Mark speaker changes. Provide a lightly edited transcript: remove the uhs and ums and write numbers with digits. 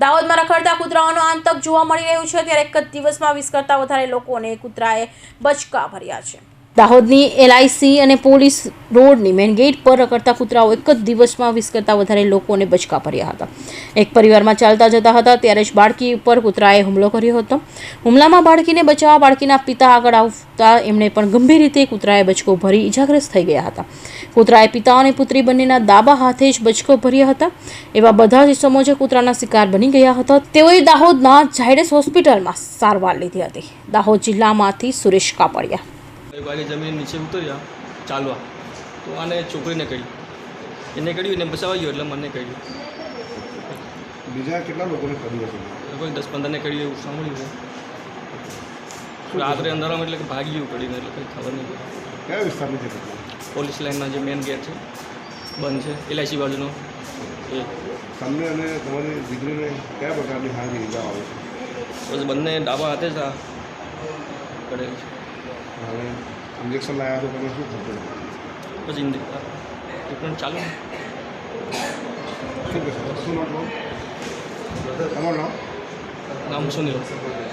Speaker 1: દાહોદમાં રખડતા કૂતરાઓનો આતંક જોવા મળી રહ્યું છે ત્યારે એક જ દિવસમાં 20 કરતાં વધારે લોકોને કૂતરાએ બચકા ભર્યા છે। દાહોદની એલઆઈસી અને પોલીસ રોડની મેઇન ગેટ પર રખડતા કૂતરાઓ એક જ દિવસમાં 20 કરતાં વધારે લોકોને બચકા ભર્યા હતા। એક પરિવારમાં ચાલતા જતા હતા ત્યારે જ બાળકી ઉપર કૂતરાએ હુમલો કર્યો હતો। હુમલામાં બાળકીને બચાવવા બાળકીના પિતા આગળ આવતા એમણે પણ ગંભીર રીતે કૂતરાએ બચકો ભરી ઇજાગ્રસ્ત થઈ ગયા હતા। કૂતરાએ પિતા અને પુત્રી બંનેના ડાબા હાથે જ બચકો ભર્યા હતા। એવા બધા જ ઇસમો જે કૂતરાના શિકાર બની ગયા હતા તેઓએ દાહોદના ઝાયડસ હોસ્પિટલમાં સારવાર લીધી હતી। દાહોદ જિલ્લામાંથી સુરેશ કાપડિયા।
Speaker 2: एक बार जमीन नीचे उतर्या चालवा तो आने छोकरी ने कही એને કર્યું ને બચાવવા ગયો એટલે મને કર્યું।
Speaker 3: બીજા કેટલા લોકોને કર્યું હશે?
Speaker 2: કોઈ 10-15 ને કર્યું એવું સાંભળ્યું છે। રાત્રે અંધારામાં એટલે કે ભાગી ગયું કરીને એટલે કંઈ ખબર નહીં।
Speaker 3: કયા વિસ્તારની છે?
Speaker 2: પોલીસ લાઇનના જે મેઇન ગેટ છે બંધ છે એલઆઈસી બાજુનો એ
Speaker 3: તમને અને તમારી દીકરીને કયા પ્રકારની હાની ઈજા આવે છે?
Speaker 2: બસ બંને ડાબા હાથે જ આ કરેલું છે।
Speaker 3: હવે ઇન્જેક્શન લાવ્યા તો તમે શું થતું?
Speaker 2: પછી ટ્રીટમેન્ટ ચાલુ।
Speaker 3: શું કહેશો? શું નામ? તમારું નામ?
Speaker 2: નામ સુનિલ।